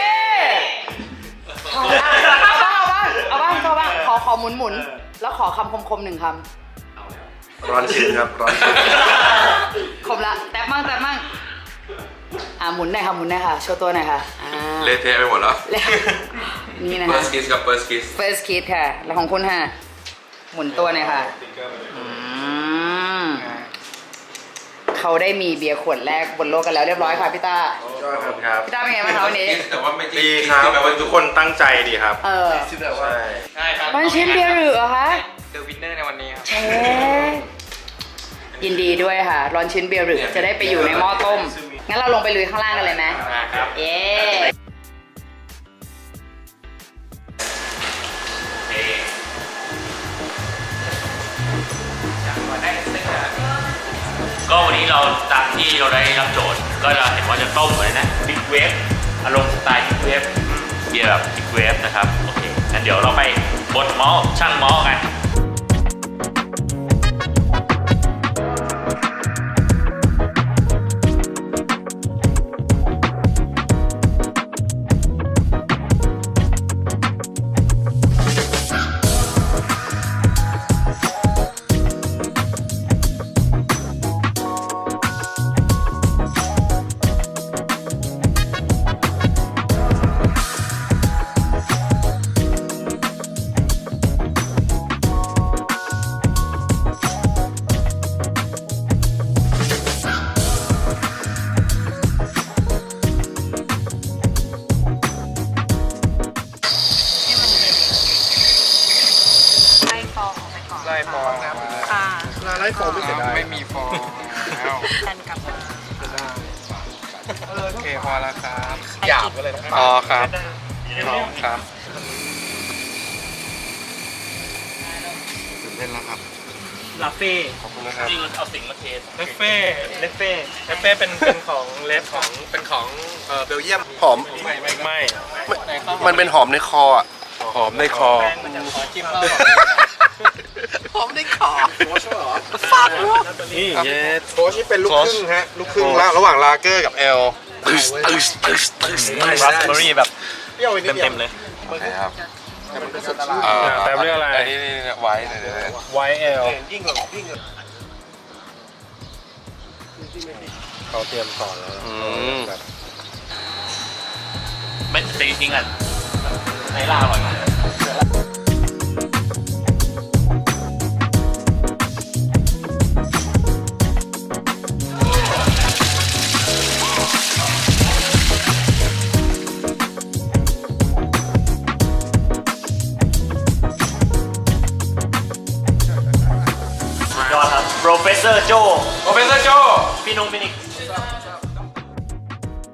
[SPEAKER 1] เอาบ้างเอาบ้างเอาบ้างเอาบ้างขอขอหมุนหมุนแล้วขอคำคมคมๆหนึ่งค
[SPEAKER 5] ร้อนชิ้นครับร้อนชิ้น
[SPEAKER 1] ำคมละแตบมั่งแตบมั่งอ่าหมุนหน่อยค่ะหมุนหน่อยค่ะโชว์ตัวหน่อยค่ะอ่า
[SPEAKER 2] เละเทะไปหมดแล้ว
[SPEAKER 1] แล้วนี่นะ
[SPEAKER 2] เฟิ
[SPEAKER 1] คะ
[SPEAKER 2] ร์สคิสกับเฟิร์สคิส
[SPEAKER 1] first kid ค่ะ แล้วของคุณค่ะหมุนตัวหน่อยค่ะอืมเขาได้มีเบียร์ขวดแรกบนโลกกันแล้วเรียบร้อยค่ะพี่ต้า
[SPEAKER 4] ครับ
[SPEAKER 1] พี่ต้าเป็นไงบ้างคะวันนี้
[SPEAKER 2] แต่ว่าไม่จริง
[SPEAKER 4] ดีครับ
[SPEAKER 2] แปลว่า
[SPEAKER 4] ทุกคนตั้งใจดีครับ
[SPEAKER 1] เออ
[SPEAKER 5] ที่แบบว่า
[SPEAKER 4] ใช่
[SPEAKER 7] ใช่ครับ
[SPEAKER 1] วันชิ้นเบียร์หรือเหรอคะ
[SPEAKER 7] เดอะวินเนอร์ในวันนี้ครับ
[SPEAKER 1] เอ๊ะยินดีด้วยค่ะร้อนชิ้นเบียร์หรือจะได้ไปอยู่ในหม้อต้ม งั้นเราลงไปลุยข้างล่างกันเลยไหม
[SPEAKER 7] ครับ
[SPEAKER 1] เย้
[SPEAKER 6] เอ่อ
[SPEAKER 7] ได้เซ็ตนะ
[SPEAKER 6] ก็วันนี้เราตามที่เราได้รับโจทย์ ก็เราเห็นว่าจะต้มอะไรนะบิ๊กเวฟอารมณ์สไตล์บิ๊กเวฟเบียร์แบบบิ๊กเวฟนะครับ โอเคงั้นเดี๋ยวเราไปบดหม้อช่างหม้อกัน
[SPEAKER 1] ไล่ฟองออกไปก่อน
[SPEAKER 7] ไล่ฟองครับ
[SPEAKER 1] ค่ะ
[SPEAKER 5] ลาไล่ฟองไม่เสียดาย
[SPEAKER 7] ไม่มีฟองแล้ว
[SPEAKER 1] ดันกลับมา
[SPEAKER 7] โอเคพอแล้วครับ
[SPEAKER 5] หยาบก็เลยนะ
[SPEAKER 7] อ๋อครับครับ
[SPEAKER 5] ตื่นเต้นแล้วครับ
[SPEAKER 4] ลาเฟ่
[SPEAKER 5] ขอบคุณนะครับ
[SPEAKER 6] จริงเอาสิ่งมาเทส
[SPEAKER 4] เลฟเฟ่เลฟเฟ่เลฟเฟ่เป็นเป็นของเลฟของ
[SPEAKER 5] เป็นของเอ่อเบลเยียมหอม
[SPEAKER 4] ไม่ไม่ไม่
[SPEAKER 5] มันเป็นหอมในคออ่ะ
[SPEAKER 2] หอมในคอ
[SPEAKER 4] แป้งมันจะขอจิ้ม
[SPEAKER 5] หอมในคอ
[SPEAKER 4] นี่เย็ด
[SPEAKER 5] โค้ชนี่เป็นลูกครึ่งฮะ ลูกครึ่งละระหว่างลาเกอร์กับเอลตึ๊สตึ๊สตึ๊สตึ๊ส
[SPEAKER 8] ราสเบอร์รี่แบบ
[SPEAKER 5] เปรี้ยวนิด
[SPEAKER 8] เต็มๆเลย
[SPEAKER 2] ครับ
[SPEAKER 5] อ่า
[SPEAKER 4] แต่เรื่องอะไร
[SPEAKER 2] นนี้นี่ไว้เดี๋ยวๆ
[SPEAKER 4] ไวเอล
[SPEAKER 5] ยิ่งกว่ายิ่งกว่า
[SPEAKER 4] เขาเตรียมสอนแล้วแบบ
[SPEAKER 6] ไม่แต่จริงๆอ่ะในล่าอร่อยมาก
[SPEAKER 8] ยอดครับ โปรเฟสเซอร์โจ
[SPEAKER 2] โปรเฟสเซอร์โจ
[SPEAKER 8] พี่นุ้งพี่นิก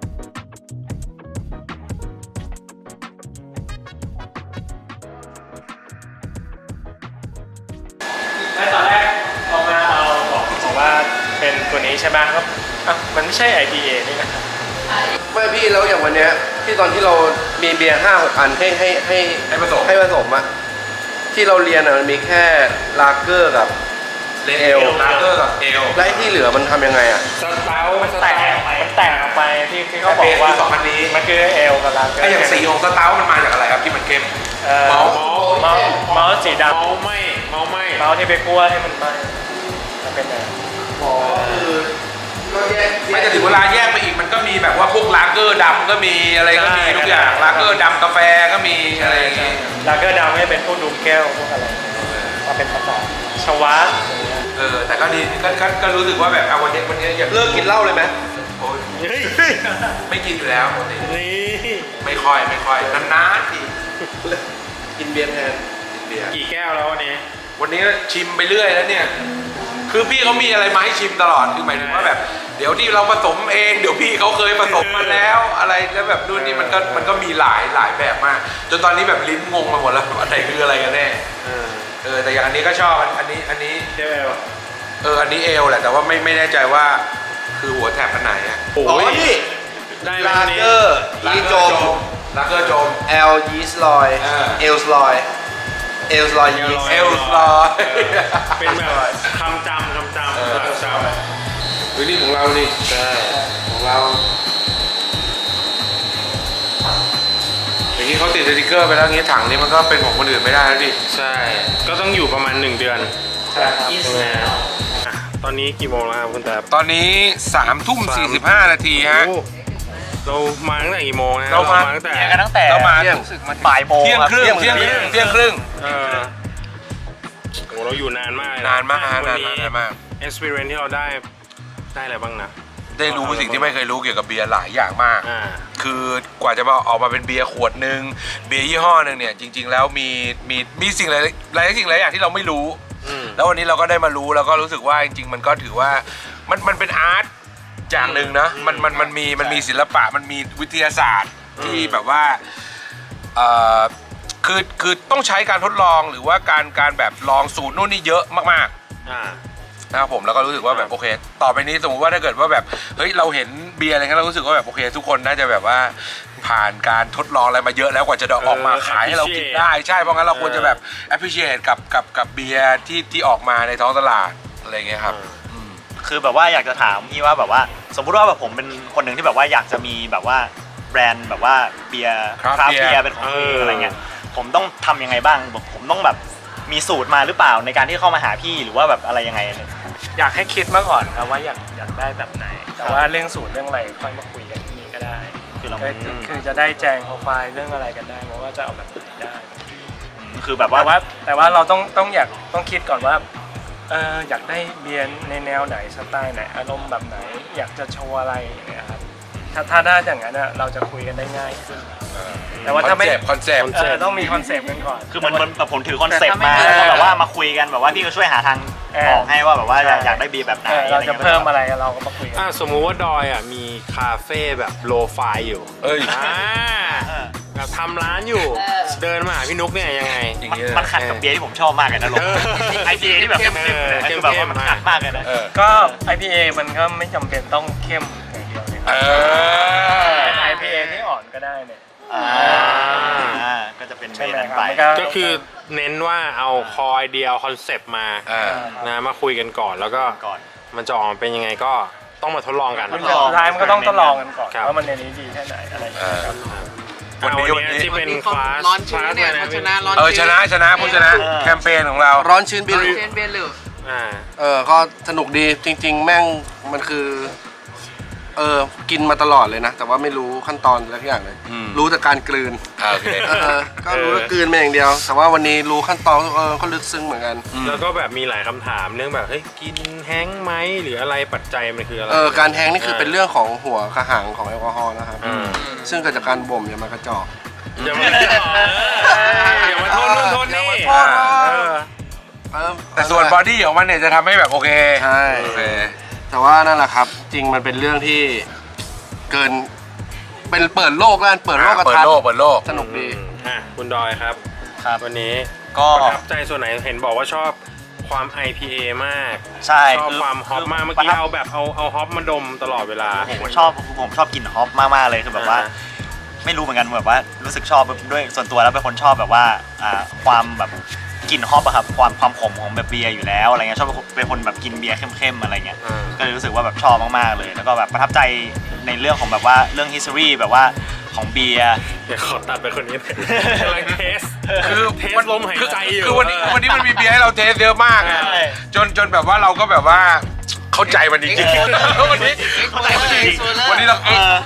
[SPEAKER 4] ใช่ไหมครับอ่ะมันไม่ใช่ ไอ พี เอ นี่นะ
[SPEAKER 5] ไม่พี่แล้วอย่างวันเนี้ยที่ตอนที่เรามีเบียร์ห้าหกอันให้ให้ให้
[SPEAKER 2] ให้ผสม
[SPEAKER 5] ให้ผสมอะที่เราเรียนอะมันมีแค่ลาเกอร์กับ
[SPEAKER 2] เลเอลลาเกอร์กับเอล
[SPEAKER 5] และไอ้ที่เหลือมันทำยังไงอะ
[SPEAKER 2] สเตา
[SPEAKER 4] มัน
[SPEAKER 2] ส
[SPEAKER 4] แต
[SPEAKER 2] เตาก
[SPEAKER 4] มันแตกออกไปที่ที่เขาบอกว่า
[SPEAKER 2] สองอันนี้
[SPEAKER 4] มันคือเอลกับลาเกอร์
[SPEAKER 2] ไออย่างสีของสเตามันมาจากอะไรครับที่มันเข้ม
[SPEAKER 4] เอ่อ
[SPEAKER 2] เมาส์
[SPEAKER 4] เมาส์เมาส์สีดำ
[SPEAKER 6] เมาไม่เมาไม่
[SPEAKER 4] เมาส์ที่ไปคั่วให้มันไหม้มันเป็นอะไร
[SPEAKER 5] อ๋อคือก็แยก
[SPEAKER 2] ไม่จะถึงเวลาแยกไปอีกมันก็มีแบบว่าพวกลาเกอร์ดำก็มีอะไรก็มีทุกอย่างลาเกอร์ดำกาแฟก็มีอะไรอย่างงี้
[SPEAKER 4] ลาเกอร์ดำให้เป็นพวกดูมแก้วพวกอะไรมาเป็นภาษาชวะ
[SPEAKER 2] เออแต่ก็ดีก็ก็ก็รู้สึกว่าแบบเอาวันนี้วันนี้อย่าง
[SPEAKER 5] เลิกกินเหล้าเลยไหม
[SPEAKER 2] โอ้ย
[SPEAKER 4] เฮ้ย
[SPEAKER 2] ไม่กินอยู่แล้วปกติ
[SPEAKER 4] นี่
[SPEAKER 2] ไม่ค่อยไม่ค่อยนานๆที
[SPEAKER 5] กินเบียร์แทน
[SPEAKER 2] กินเบียร์
[SPEAKER 4] กี่แก้วแล้ววันนี้
[SPEAKER 2] วันนี้ชิมไปเรื่อยแล้วเนี่ย คือพี่เขามีอะไรมาให้ชิมตลอด คือหมายถึงว่าแบบ เดี๋ยวที่เราผสมเอง เดี๋ยวพี่เขาเคยผสมมาแล้ว อะไรแล้วแบบนู่นนี่มันก็มันก็มีหลายหลายแบบมาก จนตอนนี้แบบลิ้นงงไปหมดแล้วว่าอะไรคืออะไรกันแน่ เออแต่อย่างอันนี้ก็ชอบอันอันนี้อันนี้
[SPEAKER 4] เที่ยวเอล
[SPEAKER 2] เอออันนี้เอลแหละแต่ว่าไม่ไม่แน่ใจว่าคือหัวแถบอันไหนอะ
[SPEAKER 5] อ๋อนี่
[SPEAKER 4] ได้ไหม
[SPEAKER 5] ลา
[SPEAKER 4] วันนี้
[SPEAKER 5] เกอร์ยีโจม
[SPEAKER 2] ลาเกอร์โจม
[SPEAKER 5] แอลยีสลอย
[SPEAKER 2] เออ
[SPEAKER 5] เอลสลอยเอลสลอยยีส
[SPEAKER 2] เอลสลอย
[SPEAKER 4] เป็นแบบคำจำคำจำ
[SPEAKER 2] เออ
[SPEAKER 4] คำจำ
[SPEAKER 2] วินี่ของเรานี่ใช่ของเราอย่างนี้เขาติดสติกเกอร์ไปแล้วงี้ถังนี้มันก็เป็นของคนอื่นไม่ได้แล้วดิ
[SPEAKER 4] ใช่ ก็ต้องอยู่ประมาณหนึ่งเดือน
[SPEAKER 5] ใช่ครับ
[SPEAKER 4] ใช่ไหมอ่ะตอนนี้กี่โมงแล้วครับคุณแต๊บ
[SPEAKER 2] ตอนนี้สามทุ่มสี่สิบห้านาทีฮะ
[SPEAKER 4] โอ้เรามาตั้งแต่กี่โมงนะ
[SPEAKER 2] เรามา
[SPEAKER 4] ตั้งแต่
[SPEAKER 8] กันตั้งแต่
[SPEAKER 2] เรามา
[SPEAKER 5] เที่ยง
[SPEAKER 2] รู้สึกมา
[SPEAKER 8] บ่ายโมง
[SPEAKER 2] เที่ยงครึ่ง
[SPEAKER 8] ครับ
[SPEAKER 2] เที่ยงครึ่งเที่ยงครึ่ง
[SPEAKER 4] เออโอ้เราอยู่นานมากเลยะ
[SPEAKER 2] นานมากฮะ
[SPEAKER 4] วัน
[SPEAKER 2] าน
[SPEAKER 4] นี้
[SPEAKER 2] มากนานมาก
[SPEAKER 4] experience ที่เราได้ได้อะไรบ้างนะ
[SPEAKER 2] ได้รู้สิ่งที่ไม่เคยรู้เกี่ยวกับเบียร์หลายอย่างมาก
[SPEAKER 4] อ่า
[SPEAKER 2] คือกว่าจะมาออกมาเป็นเบียร์ขวดหนึ่งเบียร์ยี่ห้อหนึ่งเนี่ยจริง ๆ แล้วมีมีมีสิ่งหลายหลายสิ่งหลายอย่างที่เราไม่รู้
[SPEAKER 4] อืม
[SPEAKER 2] แล้ววันนี้เราก็ได้มารู้แล้วก็รู้สึกว่าจริงๆ มันก็ถือว่ามันมันเป็นอาร์ตอย่างหนึ่งนะมันมันมันมีมันมีศิลปะมันมีวิทยาศาสตร์ที่แบบว่าเอ่อคือคือต้องใช้การทดลองหรือว่าการการแบบลองสูตรนู่นนี่เยอะมากๆ
[SPEAKER 4] อ่า
[SPEAKER 2] นะครับผมแล้วก็รู้สึกว่าแบบโอเค ต่อไปนี้สมมติว่าถ้าเกิดว่าแบบเฮ้ยเราเห็นเบียร์อะไรเงี้ยเรารู้สึกว่าแบบโอเค ทุกคนน่าจะแบบว่าผ่านการทดลองอะไรมาเยอะแล้วกว่าจะออกมาขายให้เรากินได้ใช่เพราะงั้นเราควรจะแบบ appreciate กับกับกับเบียร์ที่ที่ออกมาในท้องตลาดอะไรเงี้ยครับอืม
[SPEAKER 8] คือแบบว่าอยากจะถามพี่ว่าแบบว่า สมมุติว่าแบบผมเป็นคนหนึ่งที่แบบว่าอยากจะมีแบบว่าแบรนด์แบบว่าเบียร์
[SPEAKER 2] Craft
[SPEAKER 8] คราฟ
[SPEAKER 2] beer
[SPEAKER 8] เบียร์เป็นของตัวเอง
[SPEAKER 4] เอออ
[SPEAKER 8] อะไรเงี้ยผมต้องทำยังไงบ้างผมต้องแบบมีสูตรมาหรือเปล่าในการที่เข้ามาหาพี่หรือว่าแบบอะไรยังไงเนี่ย
[SPEAKER 4] อยากให้คิดมาก่อนครับว่าอยากอยากได้แบบไหน แต่ว่าเรื่องสูตรเรื่องอะไรค่อยมาคุยกันที่นี่ก็ได้
[SPEAKER 8] คือเรา
[SPEAKER 4] ก็คือจะได้แจงโปรไฟล์เรื่องอะไรกันได้เพราะว่าจะเอาแบบไหนได้
[SPEAKER 8] คือแบบ
[SPEAKER 4] แต่
[SPEAKER 8] ว่า
[SPEAKER 4] ว่าแต่ว่าเราต้องต้องอยากต้องคิดก่อนว่าเอออยากได้เบียร์ในแนวไหนสไตล์ไหนอารมณ์แบบไหน อยากจะโชว์อะไรอย่างเงี้ยครับถ้าถ้าได้อย่างนั้นอะเราจะคุยกันได้ง่ายขึ้น แต่ว่าถ้าไม่
[SPEAKER 2] คอนเซปต์
[SPEAKER 4] เออต้องมีคอนเซปต์กันก่อน
[SPEAKER 8] คือมันมันแบบผมถือคอนเซ็ปต์
[SPEAKER 1] แต่
[SPEAKER 8] มา
[SPEAKER 1] ถ้าไม่
[SPEAKER 8] แล้วก็แบบว่ามาคุยกันแบบว่าพี่ก็ช่วยหาทาง
[SPEAKER 4] เออ
[SPEAKER 8] ออกให้ว่าแบบว่าอยาก
[SPEAKER 4] ใช่
[SPEAKER 8] อยากได้เบียร์แบบไหน
[SPEAKER 4] เออเราจะ
[SPEAKER 8] อไงี้ย
[SPEAKER 4] เพิ่มอะไรเราก็มาคุยกัน
[SPEAKER 9] อ่ะสมมุติว่าดอยอ่ะมีคาเฟ่แบบโลไฟอยู่
[SPEAKER 2] เอ้ย
[SPEAKER 9] อ่า
[SPEAKER 8] เออ
[SPEAKER 9] แบบทำร้านอยู่
[SPEAKER 1] เออ
[SPEAKER 9] เดินมาหาพี่นุ๊กเนี่ยยังไง
[SPEAKER 2] อย่าง
[SPEAKER 8] มัน
[SPEAKER 2] เงี้ย
[SPEAKER 8] มันขัดกับเบียร์ที่ผมชอบมากเลยนะลง
[SPEAKER 9] เออ
[SPEAKER 8] ไอเบียร์ที่แบบเข้มๆเลยคือแบบว่ามันขัดมากเลยนะ
[SPEAKER 2] เออ
[SPEAKER 4] ก็ ไอ พี เอ มันก็ไม่จำเป็นต้องเข้มอย่างเดียวเลย
[SPEAKER 2] เออ
[SPEAKER 4] เป็น ไอ พี เอ ที่อ่อนก็ได้เนี่ย
[SPEAKER 8] อ่าอ่าก็จะเป็นเบี
[SPEAKER 4] ใช่
[SPEAKER 8] ยร์
[SPEAKER 4] ไหม
[SPEAKER 8] นั้น
[SPEAKER 4] ครับ
[SPEAKER 8] ไป
[SPEAKER 4] มันก็
[SPEAKER 9] ก็คือเน้นว่าเอาคอไอเดียคอนเซปต์มา
[SPEAKER 2] อ่า
[SPEAKER 9] นะมาคุยกันก่อนแล้วก็
[SPEAKER 8] ก่อน
[SPEAKER 9] มันจะออกมาเป็นยังไงก็ต้องมาทดลองกัน
[SPEAKER 8] ทด
[SPEAKER 4] สุ
[SPEAKER 8] ลอง
[SPEAKER 4] ดท้ายมันก็ต้องทดลองกันก่อน
[SPEAKER 9] ครับ
[SPEAKER 4] ว่ามันในนี้ดีแค่ไหนอะไรอย่างเงี้ยครับ
[SPEAKER 2] วันนี้
[SPEAKER 9] อ่ะ
[SPEAKER 2] วันนี้
[SPEAKER 9] ที่เป็นคลาส
[SPEAKER 7] ร้อนชื้นเนี่ย
[SPEAKER 9] คลาส
[SPEAKER 7] เขา
[SPEAKER 9] อะไร
[SPEAKER 7] ช
[SPEAKER 9] นะ
[SPEAKER 7] นะร้อน
[SPEAKER 2] เออชนะชนะผู้ชนะ
[SPEAKER 8] เออ
[SPEAKER 2] แคมเปญของเรา
[SPEAKER 5] ร้อนชื้นเบียร์
[SPEAKER 7] เชนเบียร์หรือ
[SPEAKER 9] อ่า
[SPEAKER 5] เออก็สนุกดีจริง ๆ แม่งมันคือเออกินมาตลอดเลยนะ แต่ว่าไม่รู้ขั้นตอนอะไรทุกอย่างเลย
[SPEAKER 2] อืม
[SPEAKER 5] รู้แต่การกลืน
[SPEAKER 2] อ่าโอเค
[SPEAKER 5] เออก็รู้ว่ากลืนมาอย่างเดียว แต่ว่าวันนี้รู้ขั้นตอนเออก็ลึกซึ้งเหมือนกัน
[SPEAKER 9] แล้วก็แบบมีหลายคำถามเรื่องแบบเฮ้ยกินแห้งค์ไหมหรืออะไรปัจจัยมันคืออะไร
[SPEAKER 5] เออการแทงนี่คือเป็นเรื่องของหัวกระหังของแอลกอฮอล์นะครับ
[SPEAKER 9] อืม
[SPEAKER 5] ซึ่งเกิดจากการบ่มอย่ามากระจอก
[SPEAKER 9] อย่ามาอย่ามาโทษนู่นโทษนี่
[SPEAKER 2] อ่า
[SPEAKER 9] เออ
[SPEAKER 5] เออ
[SPEAKER 2] แต่ส่วนบอดี้ของมันเนี่ยจะทำให้แบบโอเค
[SPEAKER 5] ใช่
[SPEAKER 2] โอเค
[SPEAKER 5] แต่ว่านั่นแหละครับ จริงมันเป็นเรื่องที่เกินเป็นเปิดโลกแล้วกันเปิดโลกกระ
[SPEAKER 2] เปิด
[SPEAKER 5] ทัด
[SPEAKER 2] โลกเปิดโลก
[SPEAKER 5] สนุกดี
[SPEAKER 9] อ่ะคุณดอยครับ
[SPEAKER 8] ครับ
[SPEAKER 9] วันนี้
[SPEAKER 8] ก็
[SPEAKER 9] ประทับใจส่วนไหนเห็นบอกว่าชอบความ ไอ พี เอ มาก
[SPEAKER 8] ใช่
[SPEAKER 9] ชอบ
[SPEAKER 8] คือ
[SPEAKER 9] ความฮอปมากเมื่อ
[SPEAKER 8] ประ
[SPEAKER 9] กี้
[SPEAKER 8] ทับ
[SPEAKER 9] เอาแบบเอาเอาฮอปมาดมตลอดเวลา
[SPEAKER 8] ผมชอบผมชอบกลิ่นฮอปมากๆเลยคือแบบว่า
[SPEAKER 9] อ่า
[SPEAKER 8] ไม่รู้เหมือนกันแบบว่ารู้สึกชอบด้วยส่วนตัวแล้วเป็นคนชอบแบบว่าอ่าความแบบกลิ่นฮอปอะครับความความขมของแบบเบียร์อยู่แล้วอะไรเงี้ยชอบเป็นคนแบบกินเบียร์เข้มๆอะไรเงี้ย
[SPEAKER 9] อ่า
[SPEAKER 8] ก็เลยรู้สึกว่าแบบชอบมากๆเลย แล้วก็แบบประทับใจในเรื่องของแบบว่าเรื่อง history แบบว่าของเบียร์
[SPEAKER 9] เดี๋ยวขอตัดไปคนนี้หน่อยกำลังเทส
[SPEAKER 2] คือ
[SPEAKER 9] เทสลมหายใจอยู่
[SPEAKER 2] คือวันนี้วันนี้มันมีเบียร์ให้เราเทสเยอะมากอะ
[SPEAKER 8] ใช่
[SPEAKER 2] จนจนแบบว่าเราก็แบบว่าเข้าใจมันจริงๆวันนี้
[SPEAKER 8] เข้าใจมันจริง
[SPEAKER 2] วันนี้เรา
[SPEAKER 8] เออ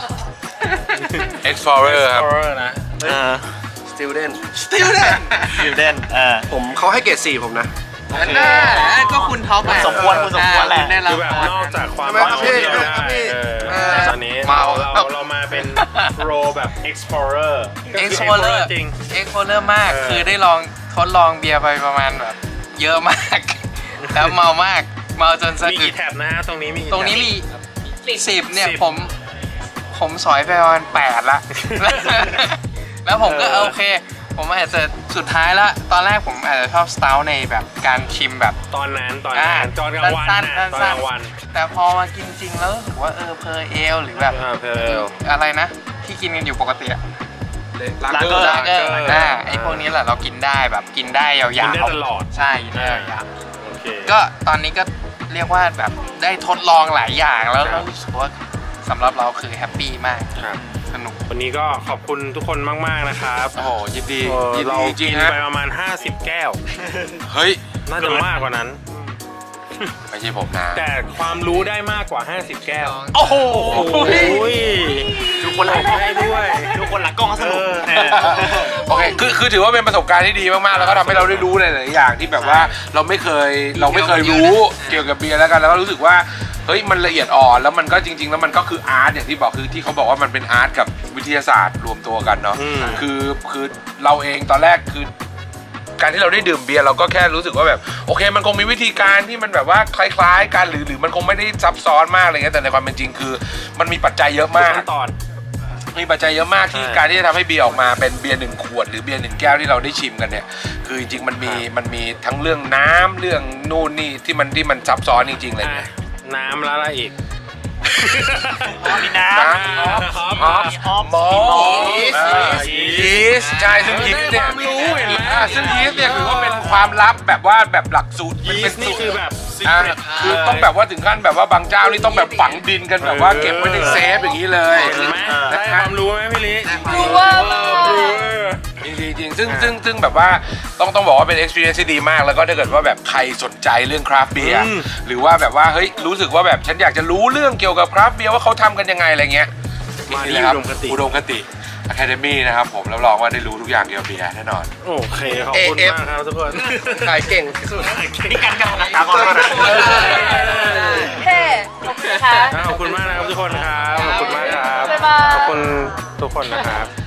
[SPEAKER 2] Explorer ครับ
[SPEAKER 9] Explorer นะ
[SPEAKER 8] เออ
[SPEAKER 5] student
[SPEAKER 8] ฟิวเดนเออ
[SPEAKER 5] ผมเขาให้เกรดสี่ผมนะ
[SPEAKER 7] อันน่าก็คุณท็อปอะ
[SPEAKER 8] สมควรคุณสมควรแหละ
[SPEAKER 7] ได้รับ
[SPEAKER 9] คือแบบนอกจากความ
[SPEAKER 5] ทำไมครับพี่
[SPEAKER 9] เมา
[SPEAKER 5] ครับพี่
[SPEAKER 9] เออ
[SPEAKER 5] เออ
[SPEAKER 9] ตอนนี้
[SPEAKER 7] เมา
[SPEAKER 9] เราเรามาเป็นโปรแบบ explorer ก็คือ
[SPEAKER 7] Explorer
[SPEAKER 9] explorer จริง
[SPEAKER 7] เอ็กโคเลอร์มาก
[SPEAKER 9] เออ
[SPEAKER 7] คือได้ลองทดลองเบียร์ไปประมาณแบบ เยอะมาก แล้วเมามาก เมาจนสะ
[SPEAKER 9] มี
[SPEAKER 7] อึ
[SPEAKER 9] กี่
[SPEAKER 7] ก
[SPEAKER 9] แท็บนะฮะตรงนี้มีกี่
[SPEAKER 7] ตรงนี้
[SPEAKER 9] แท็บ
[SPEAKER 7] มีสิบเนี่ย
[SPEAKER 9] สิบ
[SPEAKER 7] ผม ผมสอยไปประมาณแปดละ แล้วผมก็
[SPEAKER 9] เออ
[SPEAKER 7] โอเค ผมอาจจะสุดท้ายละ ตอนแรกผมอาจจะชอบสเตาในแบบการชิมแบบ
[SPEAKER 9] ตอนนั้นตอนนั้นตอนกลางวัน
[SPEAKER 7] สั้
[SPEAKER 9] นะ
[SPEAKER 7] ๆ
[SPEAKER 9] ตอน
[SPEAKER 7] สั้
[SPEAKER 9] กลางวัน
[SPEAKER 7] ๆแต่พอมากินจริงแล้วรู้สึกว่าเออเพอร์เอลหรือแบบ
[SPEAKER 9] อ่าเพล
[SPEAKER 7] อะไรนะ ที่กินกันอยู่ปกติอะ
[SPEAKER 2] ลาเกอร์
[SPEAKER 7] ลาเกอร์อ่าไอพวกนี้แหละเรากินได้แบบกินได้ยาวๆ
[SPEAKER 9] กินได้ตลอด
[SPEAKER 7] ใช่กินได้ยาว
[SPEAKER 9] โอเค
[SPEAKER 7] ๆก็ตอนนี้ก็เรียกว่าแบบได้ทดลองหลายอย่างแล้ว
[SPEAKER 9] ครั
[SPEAKER 7] เรา
[SPEAKER 9] บ
[SPEAKER 7] รู้สึกว่าสำหรับเราคือแฮปปี้มาก
[SPEAKER 9] ครับ
[SPEAKER 7] สนุก
[SPEAKER 9] วันนี้ก็ขอบคุณทุกคนมาก ๆ นะครับ
[SPEAKER 2] โอ้โหยินดี
[SPEAKER 9] เออ
[SPEAKER 2] ยิน
[SPEAKER 9] เรา
[SPEAKER 2] ดีจริ
[SPEAKER 9] กิ
[SPEAKER 2] ง
[SPEAKER 9] น
[SPEAKER 2] ๆฮะ
[SPEAKER 9] ไปประมาณ ห้าสิบ แก้ว
[SPEAKER 2] เฮ้ย
[SPEAKER 9] น่าจะมากกว่านั้น
[SPEAKER 2] ไม่ใช่ผมนะ
[SPEAKER 9] แต่ความรู้ได้มากกว่า ห้าสิบ แก้ว
[SPEAKER 7] โอ้โห
[SPEAKER 9] โอ้ย
[SPEAKER 8] ทุกคนหลัง
[SPEAKER 9] ให้ด้วย
[SPEAKER 8] ทุกคนหลังกล้องก็สนุก
[SPEAKER 9] เออ
[SPEAKER 2] โอเค คือ คือ ถือว่าเป็นประสบการณ์ที่ดีมาก ๆ แล้วก็ทำให้เราได้รู้ในหลายๆอย่างที่แบบว่าเราไม่เคย เราไม่เคยรู้เกี่ยวกับเบียร์แล้วกัน แล้วก็รู้สึกว่า เฮ้ย มันละเอียดอ่อน แล้วมันก็จริง ๆ แล้วมันก็คืออาร์ตอย่างที่บอก คือที่เขาบอกว่ามันเป็นอาร์ตกับวิทยาศาสตร์รวมตัวกันเนาะ
[SPEAKER 9] อืม
[SPEAKER 2] คือ คือเราเองตอนแรกคือ การที่เราได้ดื่มเบียร์เราก็แค่รู้สึกว่าแบบโอเคมันคงมีวิธีการที่มันแบบว่าคล้ายๆกันหรือหรือมันคงไม่ได้ซับซ้อนมากอะไรเงี้ยแต่ในความเป็นจริงคือมันมีปัจจัยเยอะมาก
[SPEAKER 9] ขั้นตอน
[SPEAKER 2] มีปัจจัยเยอะมากที่
[SPEAKER 9] ใช่
[SPEAKER 2] การที่จะทำให้เบียร์ออกมาเป็นเบียร์หนึ่งขวดหรือเบียร์หนึ่งแก้วที่เราได้ชิมกันเนี่ยคือจริงๆมันมีมันมีทั้งเรื่องน้ำเรื่องนู่นนี่ที่มันที่มันซับซ้อนจริงๆเลย
[SPEAKER 9] อ่ะ
[SPEAKER 2] เนี่ย
[SPEAKER 9] น้ำแล้วอะไรอีก
[SPEAKER 8] มีน้
[SPEAKER 2] น้
[SPEAKER 8] ำ
[SPEAKER 9] ฮอป
[SPEAKER 2] ฮอป
[SPEAKER 8] ฮอป
[SPEAKER 2] มอล
[SPEAKER 8] ยีสต์
[SPEAKER 2] อ่ายีสต์ใช่ซึ่งยีสต์เนี่ย
[SPEAKER 9] ได้ความรู้เห็นไหม
[SPEAKER 2] อ่าซึ่งยีสต์เนี่ยถือว่าเป็นความลับแบบว่าแบบหลักสูตร
[SPEAKER 9] ยี
[SPEAKER 2] เป็น
[SPEAKER 9] สต์นี่
[SPEAKER 2] สูตร
[SPEAKER 9] คือแบบ
[SPEAKER 2] อ่า
[SPEAKER 9] secret
[SPEAKER 2] คือต้องแบบว่าถึงขั้นแบบว่าบางเจ้านี่ต้องแบบฝังดินกันแบบว่าเก็บไว้ในเซฟอย่างนี้เลย
[SPEAKER 9] เห็นไหม
[SPEAKER 2] นะ
[SPEAKER 9] ได้
[SPEAKER 2] ค
[SPEAKER 9] ครับ วามรู้ไหมพี่ลิ
[SPEAKER 1] รู้ว่า
[SPEAKER 9] รู้
[SPEAKER 2] จริงๆจริงๆซึ่งซึ่งซึ่งแบบว่าต้องต้องบอกว่าเป็น experience ที่ดีมากแล้วก็ถ้าเกิดว่าแบบใครสนใจเรื่องคราฟต์เบียร์หรือว่าแบบว่าเฮ้ยรู้สึกว่าแบบฉันอยากจะรู้เรื่องเกี่ยวกับคราฟต์เบียร์ว่าเขาทำกันยังไงอะไรเงี้ย
[SPEAKER 9] มาที่
[SPEAKER 2] นี่นะครับ
[SPEAKER 9] อุดมคติ
[SPEAKER 2] อุดมคติ Academy นะครับผมรับรองว่าได้รู้ทุกอย่างเกี่ยวกับเบียร์แน่นอน
[SPEAKER 9] โอเคขอบคุณ
[SPEAKER 5] เอฟ
[SPEAKER 9] มากครับทุกคน
[SPEAKER 5] ขายเก่งที่สุด
[SPEAKER 8] นี่กันกันนะตามก่อนนะ
[SPEAKER 1] เท่ขอบคุณค่ะ
[SPEAKER 9] ขอบคุณมากนะครับทุกคนครับ ขอบคุณมากครับ
[SPEAKER 1] บ๊ายบาย
[SPEAKER 9] ขอบคุณทุกคนนะครับ